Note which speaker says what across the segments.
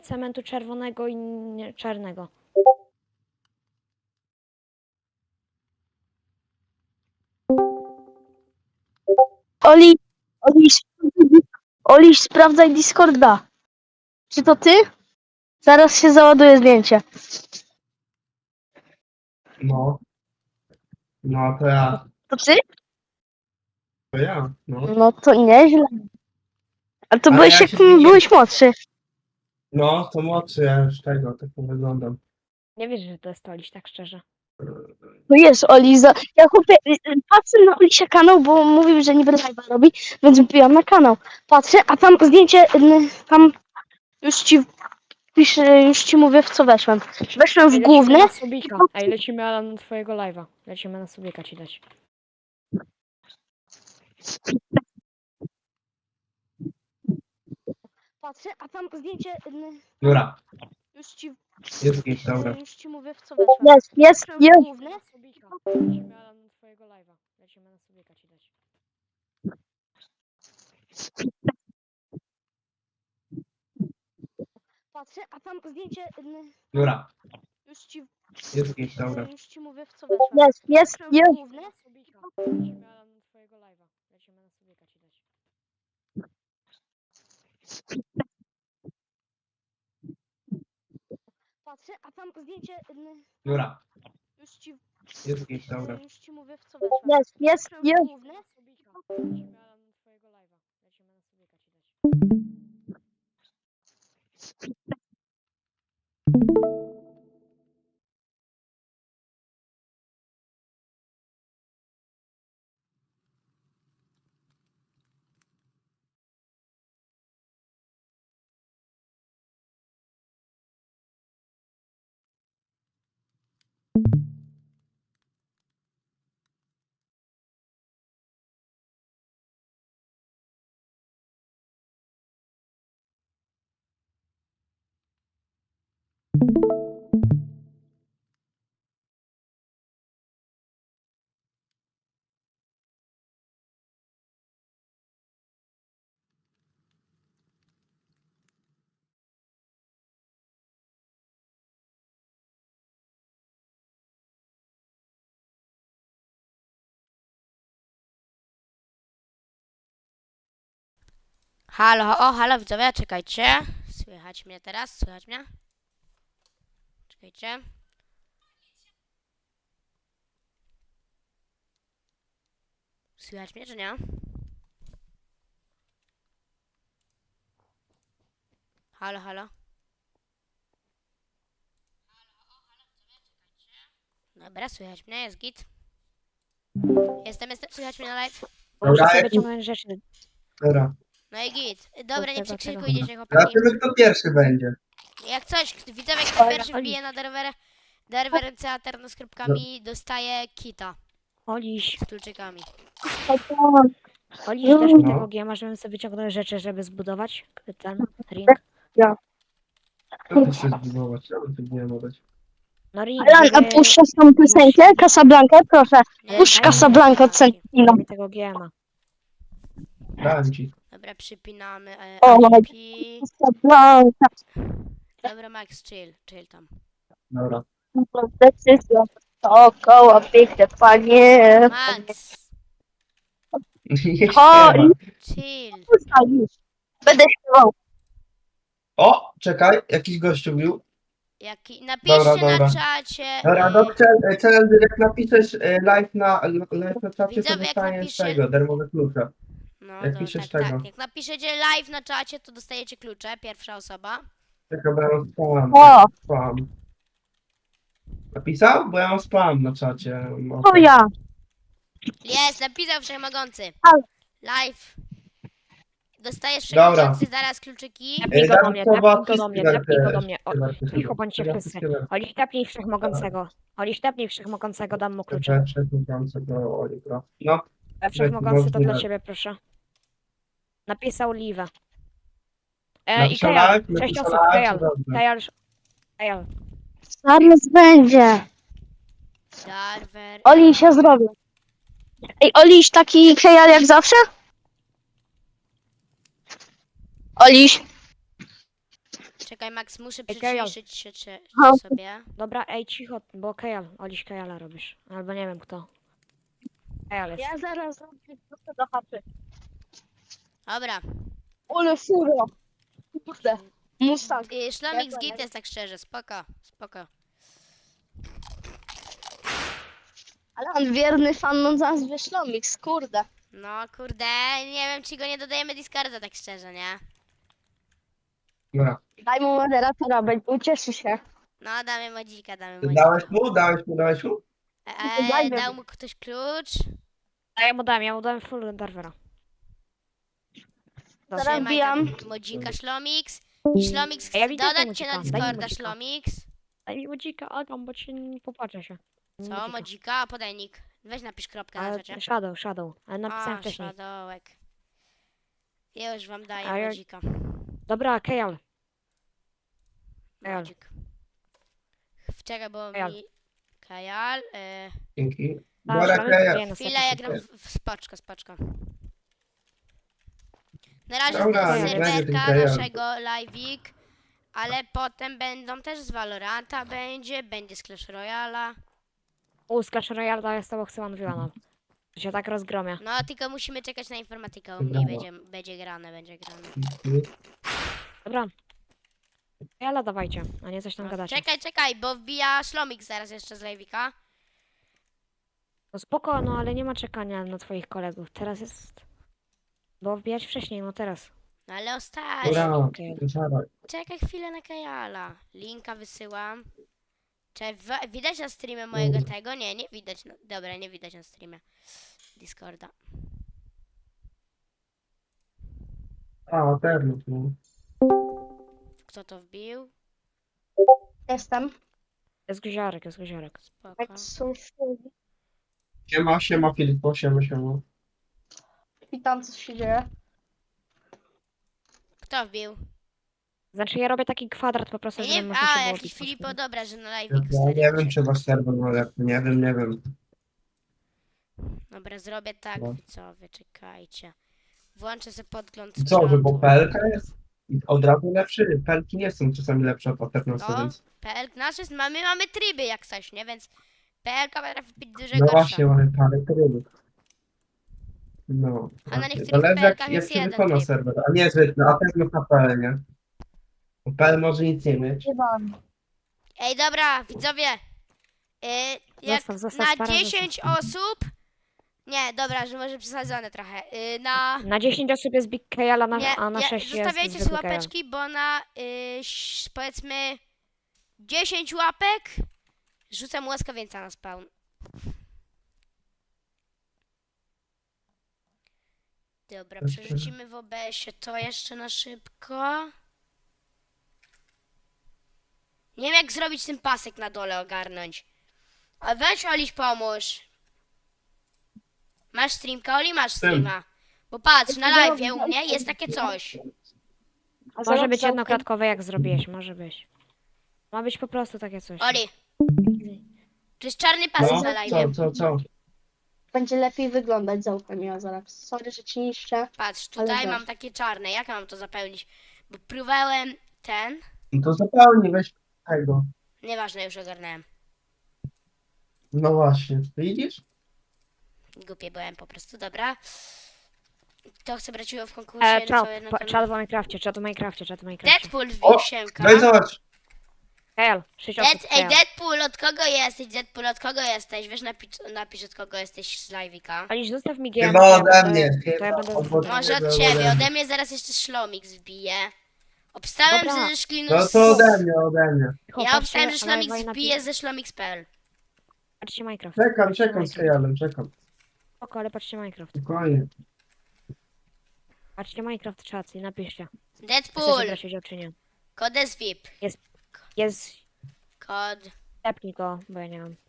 Speaker 1: cementu czerwonego i czarnego.
Speaker 2: Oliś, sprawdzaj Discorda. Czy to ty? Zaraz się załaduje zdjęcie.
Speaker 3: No. No, to ja.
Speaker 2: To ty?
Speaker 3: To ja, no.
Speaker 2: No to nieźle. A to
Speaker 3: Ale
Speaker 2: byłeś
Speaker 3: ja
Speaker 2: jak
Speaker 3: się zmieniłem.
Speaker 2: byłeś młodszy.
Speaker 3: No, to młodszy, ja już tego, tak wyglądam.
Speaker 1: Nie wierzę, że to jest Oliś, tak szczerze.
Speaker 2: No jest Oli. Ja patrzę na Olisia kanał, bo mówił, że niby live'a robi, więc wbijam na kanał. Patrzę, a tam zdjęcie, tam już ci piszę, już ci mówię w co weszłem. Weszłem w
Speaker 1: Ej, lecimy
Speaker 2: główne.
Speaker 1: na Subika. Ej, lecimy Alan na twojego live'a. Lecimy na Subika ci dać.
Speaker 2: Patrzę, a tam zdjęcie,
Speaker 3: Dobra,
Speaker 2: już ci
Speaker 3: jest git, dobra.
Speaker 2: Już ci mówię w co weszłem. Jest.
Speaker 1: Główny? Na Subika. Lecimy Alan na twojego live'a. Lecimy na Subika ci dać.
Speaker 2: Patrzę, a tam zdjęcie,
Speaker 3: Dobra,
Speaker 2: już ci
Speaker 3: jest git, dobra.
Speaker 2: już ci mówię w co weszłem. Jest.
Speaker 1: Główny? Na Subika. Lecimy Alan na twojego live'a. Lecimy na Subika ci dać.
Speaker 2: Patrzę, a tam zdjęcie,
Speaker 3: Dobra,
Speaker 2: już ci
Speaker 3: jest git, dobra.
Speaker 2: już ci mówię w co weszłem. Jest.
Speaker 1: Główny? Na Subika. Lecimy Alan na twojego live'a. Lecimy na Subika ci dać.
Speaker 4: Halo widzowie, czekajcie. Słychać mnie teraz? Słychać mnie? Czekajcie. Słychać mnie, czy nie? Halo. Dobra, słychać mnie, jest git. Jestem, słychać mnie na live?
Speaker 1: Muszę
Speaker 3: Dobra,
Speaker 1: sobie
Speaker 3: jak-
Speaker 1: wyciągnąć rzeczy.
Speaker 3: Dobra.
Speaker 4: No i git. Dobra, nie
Speaker 1: Tego,
Speaker 4: przekrzykujcie się, chłopaki.
Speaker 3: Zobaczymy, kto pierwszy będzie.
Speaker 4: Jak coś, widzowie, kto pierwszy wbije na derwer CA z kropkami, dostaje kita
Speaker 1: Oliś,
Speaker 4: z kluczykami.
Speaker 1: Oliś, dasz mi
Speaker 3: No.
Speaker 1: tego giema, żebym sobie wyciągnął rzeczy, żeby zbudować ten ring.
Speaker 3: Kto ty się zbudować? Ja bym tu nie mogać.
Speaker 1: No ring,
Speaker 2: Alan, a
Speaker 1: żeby...
Speaker 2: puszczasz tą piosenkę? Casablanca, proszę.
Speaker 4: Nie,
Speaker 2: Puść
Speaker 4: daj
Speaker 2: Casablanca od
Speaker 4: mi
Speaker 2: Sentino.
Speaker 1: Daj mi tego giema.
Speaker 3: Dałem ci.
Speaker 4: Dobra, przypinamy
Speaker 2: O,
Speaker 4: IGP.
Speaker 2: Casablanca.
Speaker 4: Dobra, Max, chill tam.
Speaker 3: Dobra.
Speaker 2: Decyzja. Dookoła piękne panie.
Speaker 4: Max,
Speaker 3: Nie
Speaker 2: O,
Speaker 3: śpiewa.
Speaker 4: chill.
Speaker 2: Będę śpiewał.
Speaker 3: O, czekaj, jakiś gościu bił.
Speaker 4: Napiszcie
Speaker 3: Dobra.
Speaker 4: na czacie.
Speaker 3: Dobra, no challenge, jak napiszesz live na czacie, to
Speaker 4: Widzowie, jak
Speaker 3: dostaniesz
Speaker 4: napisze-
Speaker 3: tego, darmowe klucze.
Speaker 4: No,
Speaker 3: Jak
Speaker 4: to,
Speaker 3: piszesz
Speaker 4: tak,
Speaker 3: tego.
Speaker 4: tak. Jak napiszecie live na czacie, to dostajecie klucze, pierwsza osoba.
Speaker 3: Czekaj, bo ja mam spam.
Speaker 2: O.
Speaker 3: Spam. Napisał? Bo ja mam spam na czacie. No,
Speaker 2: To ja.
Speaker 4: Jest, napisał Wszechmogący.
Speaker 2: Ale-
Speaker 4: Live. Dostajesz
Speaker 3: Dobra.
Speaker 4: Wszechmogący zaraz kluczyki.
Speaker 1: Tepnij go do mnie, tepnij go do mnie,
Speaker 3: Śpiewaj
Speaker 1: tepnij go do
Speaker 3: też,
Speaker 1: mnie.
Speaker 3: śpiewaj też.
Speaker 1: Cicho bądźcie wszyscy.
Speaker 3: Śpiewaj.
Speaker 1: Oliś, tepnij Wszechmogącego. Oliś, tepnij Wszechmogącego, dam mu klucze.
Speaker 3: No,
Speaker 1: Wszechmogący to dla
Speaker 3: możliwe.
Speaker 1: ciebie, proszę. Napisał Liwę. I
Speaker 3: napisał
Speaker 1: Kajal,
Speaker 3: live,
Speaker 1: 6
Speaker 3: napisał
Speaker 1: osób,
Speaker 3: live,
Speaker 1: Kajal.
Speaker 3: to dobrze.
Speaker 1: Kajal.
Speaker 2: Zaraz będzie.
Speaker 4: Darwer.
Speaker 2: Oliś, ja zrobię. Ej, Oliś, taki kejal jak zawsze? Oliś.
Speaker 4: Czekaj, Max, muszę
Speaker 1: Ej, Kajal.
Speaker 4: przyciszyć się
Speaker 2: No.
Speaker 4: sobie.
Speaker 1: Dobra, ej, cicho, bo Kajal, Oliś Kajala robisz. Albo nie wiem kto. Kajal jest.
Speaker 2: Ja zaraz zrobię to do chaty.
Speaker 4: Dobra.
Speaker 2: Ole furo. Kurde. Mustang.
Speaker 4: Szlomik z
Speaker 2: Ja
Speaker 4: git jest tak szczerze, spoko, spoko.
Speaker 2: Ale on wierny fan, no zaraz wyszlomik, kurde.
Speaker 4: No kurde, nie wiem czy go nie dodajemy Discorda tak szczerze, nie?
Speaker 3: Dobra.
Speaker 2: Daj mu moderatora, ucieszy się.
Speaker 4: No damy modzika, damy
Speaker 3: Ty
Speaker 4: modzika.
Speaker 3: Dałeś mu?
Speaker 2: Dajmy.
Speaker 4: Dał mu ktoś klucz?
Speaker 1: A ja mu dałem full Darwera. Dobra.
Speaker 2: Zaraz wbijam.
Speaker 4: Modzika Szlomix. Szlomix
Speaker 1: A ja
Speaker 4: chce
Speaker 1: widzę tego
Speaker 4: dodać cię na
Speaker 1: modzika, daj mi
Speaker 4: Discorda,
Speaker 1: modzika.
Speaker 4: Szlomix.
Speaker 1: Daj mi łodzika, Agam, bo cię nie popatrzę się.
Speaker 4: Co, modzika? Podaj nick. Weź napisz kropkę na
Speaker 1: Ale
Speaker 4: czacie.
Speaker 1: Shadow, ale napisałem wcześniej.
Speaker 4: Shadowek. Ja już wam daję
Speaker 1: A ja-
Speaker 4: modzika.
Speaker 1: Dobra, Kajal. Kajal.
Speaker 4: Modzik. Wczoraj było
Speaker 1: Kajal.
Speaker 4: mi... Kajal.
Speaker 3: Dzięki.
Speaker 1: A,
Speaker 3: Dobra,
Speaker 1: Szlomik
Speaker 3: Kaja.
Speaker 1: dzieje na
Speaker 4: Chwila, ja
Speaker 1: sekund.
Speaker 4: gram w spoczko, spoczko. Na razie
Speaker 3: Dobra,
Speaker 4: z
Speaker 3: nie będzie
Speaker 4: serwerka
Speaker 3: ten Kajal.
Speaker 4: naszego live'ik, ale potem będą też z Valoranta będzie z Clash Royale'a.
Speaker 1: Z Clash Royale to jest to, bo chcę mówiła nam. To się tak rozgromia.
Speaker 4: No, tylko musimy czekać na informatykę, u mnie będzie grane.
Speaker 1: Dobra. Kajala dawajcie, a nie coś tam
Speaker 4: No,
Speaker 1: gadacie.
Speaker 4: czekaj, bo wbija Szlomik zaraz jeszcze z live'ika.
Speaker 1: No spoko, no ale nie ma czekania na twoich kolegów. Teraz jest... Było wbijać wcześniej, no teraz.
Speaker 4: No ale ostatnio.
Speaker 3: Dobra,
Speaker 1: Okej.
Speaker 3: dawaj.
Speaker 4: Czekaj chwilę na Kajala. Linka wysyłam. Widać na streamie mojego tego? Nie widać. Dobra, nie widać na streamie Discorda.
Speaker 3: A, pewno. No.
Speaker 4: Kto to wbił?
Speaker 2: Jestem.
Speaker 1: Jest guziorek.
Speaker 4: Spoko.
Speaker 2: Jak są
Speaker 3: Siema, Filipo, siema.
Speaker 2: Witam, co się dzieje.
Speaker 4: Kto wbił?
Speaker 1: Znaczy ja robię taki kwadrat po prostu,
Speaker 4: Ja
Speaker 1: żeby
Speaker 4: nie,
Speaker 1: można się było
Speaker 4: jakiś
Speaker 1: bić.
Speaker 4: Filipo, dobra, że na live
Speaker 3: Ja nie wiem, czy wasz serwer ma lepiej. Nie wiem.
Speaker 4: Dobra, zrobię tak,
Speaker 3: No.
Speaker 4: widzowie, czekajcie. Włączę sobie podgląd
Speaker 3: Co, że bo
Speaker 4: czatu.
Speaker 3: PLK jest od razu lepszy? PLki nie są czasami lepsze od Paternosa,
Speaker 4: No,
Speaker 3: więc...
Speaker 4: PL, nasz jest, mamy tryby jak coś, nie? Więc PLK potrafi być dużo
Speaker 3: No
Speaker 4: gorsza.
Speaker 3: właśnie, mamy parę trybów. No,
Speaker 4: A na
Speaker 3: właśnie.
Speaker 4: niektórych
Speaker 3: Zależy jak
Speaker 4: PLK-ach jest
Speaker 3: się
Speaker 4: jeden
Speaker 3: wykona
Speaker 4: tryb.
Speaker 3: serwer, a nie, że a też na PL, nie? Bo PL może nic nie mieć.
Speaker 4: Ej, dobra, widzowie. Jak
Speaker 1: Zostaw,
Speaker 4: na
Speaker 1: stara,
Speaker 4: 10 osób... Nie, dobra, że może przesadzone trochę.
Speaker 1: Na 10 osób jest Big Kajala, a na 6 jest
Speaker 4: zostawiajcie sobie
Speaker 1: zwykły Kajal.
Speaker 4: łapeczki, bo na powiedzmy 10 łapek rzucam łaskawieńca na spawn. Dobra,
Speaker 3: Dobrze.
Speaker 4: przerzucimy w OBS-ie to jeszcze na szybko. Nie wiem jak zrobić ten pasek na dole ogarnąć. A weź Oliś pomóż. Masz streamka, Oli? Masz streama. Bo patrz, na live u mnie jest takie coś.
Speaker 1: Może być jednokratkowe jak zrobiłeś, może być. Ma być po prostu takie coś.
Speaker 4: Oli. To jest czarny pasek
Speaker 3: No,
Speaker 4: na live.
Speaker 3: co?
Speaker 2: Będzie lepiej wyglądać, zaufaj mi, zaraz. Sorry, że ci niszczę.
Speaker 4: Patrz,
Speaker 2: Ale
Speaker 4: tutaj
Speaker 2: weź.
Speaker 4: mam takie czarne. Jak mam to zapełnić? Bo próbowałem ten.
Speaker 3: No to zupełnie weź tego.
Speaker 4: Nieważne, już ogarnąłem.
Speaker 3: No właśnie, widzisz?
Speaker 4: Głupie byłem po prostu, dobra. Kto chce brać udział w konkursie?
Speaker 1: Czat w Minecrafcie.
Speaker 4: Deadpool wbił
Speaker 3: O,
Speaker 4: siemka.
Speaker 3: no i zobacz.
Speaker 1: Kajal, 6 osób.
Speaker 4: Ej,
Speaker 1: Kajal.
Speaker 4: Deadpool, od kogo jesteś? Deadpool, od kogo jesteś? Wiesz, napisz od kogo jesteś z live'ika.
Speaker 1: Aliś, zostaw mi GM.
Speaker 3: Chyba ode mnie.
Speaker 1: To ja będę
Speaker 4: Może od ciebie, ode mnie zaraz jeszcze Szlomik zbije. Obstałem,
Speaker 1: Dobra.
Speaker 4: że Szklinu...
Speaker 3: No to ode mnie.
Speaker 4: Ja obstałem, że Szlomik zbije ze Szlomix.pl.
Speaker 1: Patrzcie Minecraft.
Speaker 3: Czekam z Kajalem, czekam.
Speaker 1: Spoko, ale patrzcie Minecraft.
Speaker 3: Spokojnie.
Speaker 1: Patrzcie Minecraft czat i napiszcie. Chcecie
Speaker 4: Deadpool,
Speaker 1: brać udział czy nie.
Speaker 4: kod jest VIP.
Speaker 1: Jest...
Speaker 4: Kod...
Speaker 1: Tepnij go, bo ja nie mam.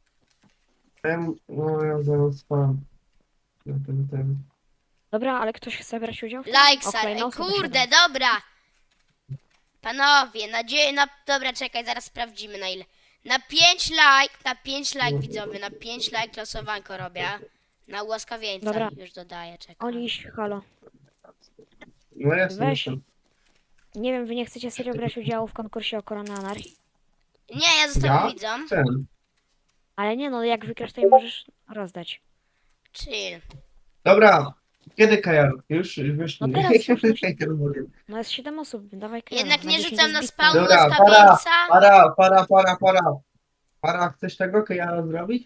Speaker 3: No ja zaraz spam. Na ten.
Speaker 1: Dobra, ale ktoś chce brać udział? w tym?
Speaker 4: Likesa,
Speaker 1: Okej,
Speaker 4: ej,
Speaker 1: no, osoba
Speaker 4: kurde,
Speaker 1: siedem.
Speaker 4: dobra. Panowie, dobra, czekaj, zaraz sprawdzimy na ile. Na 5 like widzowie, na 5 like losowanko robię. Na łaskawieńca
Speaker 1: Dobra.
Speaker 4: już dodaję, czekaj.
Speaker 1: Oliś, halo.
Speaker 3: No jestem.
Speaker 1: Weź.
Speaker 3: jestem.
Speaker 1: Nie wiem, wy nie chcecie serio brać udziału w konkursie o Koronę Anarchii?
Speaker 4: Nie, ja zostanę
Speaker 3: Ja?
Speaker 4: widzą.
Speaker 3: Chcę.
Speaker 1: Ale nie no, jak wygrasz, to jej możesz rozdać.
Speaker 4: Chill.
Speaker 3: Dobra, kiedy Kajar? Już wiesz,
Speaker 1: No
Speaker 3: nie.
Speaker 1: teraz już, no.
Speaker 3: Kajar mówię.
Speaker 1: No jest 7 osób, dawaj Kajala.
Speaker 4: Jednak nie
Speaker 1: 10
Speaker 4: rzucam na
Speaker 1: jest
Speaker 4: spawn
Speaker 1: bitwa.
Speaker 3: Dobra,
Speaker 4: łaskawińca.
Speaker 3: Para, chcesz tego Kajara zrobić?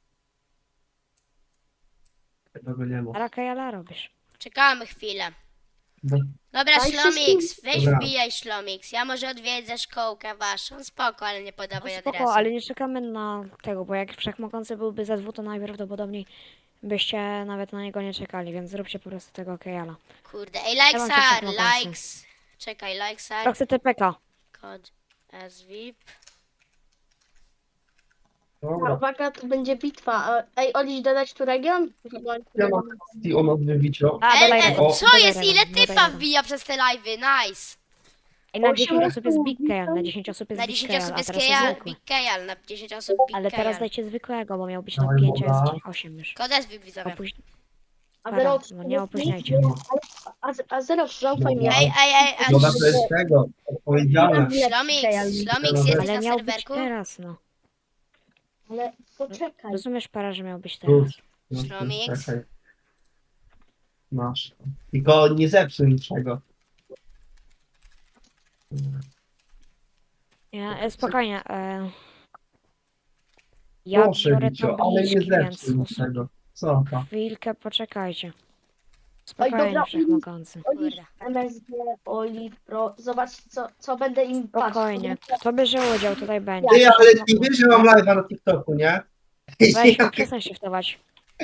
Speaker 3: Tego nie ma.
Speaker 1: Ara Kajala robisz.
Speaker 4: Czekamy chwilę.
Speaker 3: No,
Speaker 4: Dobra,
Speaker 2: Daj
Speaker 4: Szlomix, weź
Speaker 3: Dobra.
Speaker 4: wbijaj Szlomix. Ja może odwiedzę szkołkę waszą. Spoko, ale nie
Speaker 1: No
Speaker 4: podawaj
Speaker 1: spoko,
Speaker 4: adresu.
Speaker 1: ale nie czekamy na tego, bo jak Wszechmogący byłby za 2, to najprawdopodobniej byście nawet na niego nie czekali, więc zróbcie po prostu tego Kajala.
Speaker 4: Kurde, ej,
Speaker 1: mam cię
Speaker 4: Likesar,
Speaker 1: Wszechmogący.
Speaker 4: likes. Czekaj, Likesar,
Speaker 1: To chcę TPK.
Speaker 4: kod SVIP.
Speaker 3: dobra.
Speaker 2: Uwaga, to będzie bitwa. Ej, Oliś, dodać tu region?
Speaker 3: Ja mam kwestii o odwywiciu.
Speaker 1: A, dodaj Regan,
Speaker 3: o,
Speaker 4: Co
Speaker 1: dodaj
Speaker 4: jest?
Speaker 1: Regan,
Speaker 4: Ile
Speaker 1: dodaj
Speaker 4: typa
Speaker 1: Regan.
Speaker 4: wbija przez te live'y? Nice.
Speaker 1: Ej, na
Speaker 2: Osiem
Speaker 1: 10 osób jest
Speaker 2: osób,
Speaker 1: Big Kajal, na 10 osób jest
Speaker 4: Na
Speaker 1: Big
Speaker 4: 10
Speaker 1: Kajal,
Speaker 4: osób
Speaker 1: a
Speaker 4: jest
Speaker 1: teraz jest
Speaker 4: Kejal,
Speaker 1: zwykły.
Speaker 4: Big Kejal, na 10 osób Big
Speaker 1: Ale teraz
Speaker 4: Kejal.
Speaker 1: dajcie zwykłego, bo miał być na
Speaker 3: Dawaj,
Speaker 1: 5, a
Speaker 3: woda.
Speaker 1: jest 8 już.
Speaker 4: Kod SVIP widzowie.
Speaker 2: A
Speaker 1: Para,
Speaker 2: zero,
Speaker 1: no nie opóźniajcie.
Speaker 2: a zero, zaufaj mi.
Speaker 4: Ej,
Speaker 3: Dobra, to jest tego, odpowiedzialne.
Speaker 4: Szlomix, jesteś
Speaker 1: Ale
Speaker 4: na
Speaker 1: miał być
Speaker 4: serwerku?
Speaker 1: teraz, no.
Speaker 2: Ale poczekaj.
Speaker 1: Rozumiesz, para, że miał być
Speaker 3: Plus.
Speaker 1: teraz.
Speaker 3: No,
Speaker 4: Szlomix.
Speaker 3: czekaj. Masz. Tylko nie zepsuj niczego.
Speaker 1: Spokojnie. Ja
Speaker 3: Proszę,
Speaker 1: biorę
Speaker 3: Wicio, ale
Speaker 1: tabliczki,
Speaker 3: nie
Speaker 1: więc
Speaker 3: zepsuj niczego. Co to?
Speaker 1: chwilkę poczekajcie.
Speaker 2: Oj,
Speaker 1: Spokojnie,
Speaker 2: dobra,
Speaker 1: Wszechmogący.
Speaker 2: Oliś,
Speaker 4: Kurde.
Speaker 2: MSG, Oli, Pro. Zobacz, co będę im
Speaker 1: Spokojnie. Kto bierze udział, tutaj będzie.
Speaker 3: Ty, ale ty wiesz, że mam live'a na TikToku, nie?
Speaker 1: Weź, przestań się wstawać.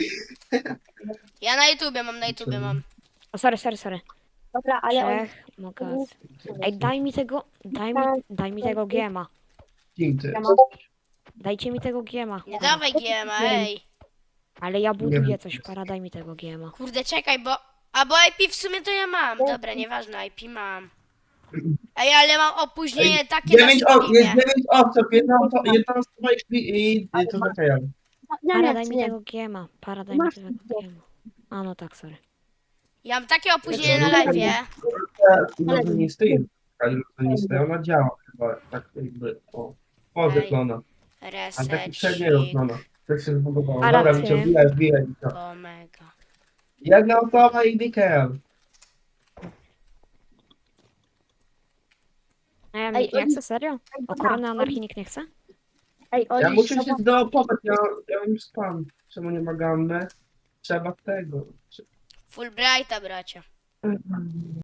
Speaker 4: Ja na YouTubie mam.
Speaker 1: O, sorry.
Speaker 2: Dobra, ale Oli,
Speaker 1: Wszechmogący. Ej, daj mi tego giema.
Speaker 3: Kim ty?
Speaker 2: ja mam
Speaker 1: Dajcie mi tego giema.
Speaker 4: Nie dawaj GMA, ej.
Speaker 1: Ale ja buduję
Speaker 3: wiem.
Speaker 1: coś, para, daj mi tego giema.
Speaker 4: Kurde, czekaj, bo... A bo IP w sumie to ja mam. Dobra, nieważne, IP mam. Ej, ale mam opóźnienie takie na
Speaker 3: Jest
Speaker 4: streamie.
Speaker 3: 9 osób, jedna osoba i to zakajamy.
Speaker 2: ja
Speaker 1: Para,
Speaker 2: nie
Speaker 1: daj
Speaker 2: chcę,
Speaker 1: mi
Speaker 2: nie.
Speaker 1: tego giema. Para, daj mi
Speaker 2: Masz
Speaker 1: tego
Speaker 2: tego.
Speaker 1: giema. A no tak, sorry.
Speaker 4: Ja mam takie opóźnienie na live'ie.
Speaker 3: Iluzjonisty, iluzjonisty, ona działa chyba, tak jakby, o, wygląda. A taki średnio
Speaker 4: Resecik.
Speaker 3: wygląda. To się zbudowało.
Speaker 1: A
Speaker 3: Dobra,
Speaker 1: raty?
Speaker 3: Wicio, wbijaj, Wicio.
Speaker 4: Omega.
Speaker 3: Jedna osoba i Mikel.
Speaker 1: Nie chcę, serio? O Koronę Anarchii nikt nie chce?
Speaker 2: Ej, Oli,
Speaker 3: Ja muszę się
Speaker 2: zobacz,
Speaker 3: zdopować, ja już spam. Czemu nie ma gammy? Trzeba tego.
Speaker 4: Fulbrighta, bracia.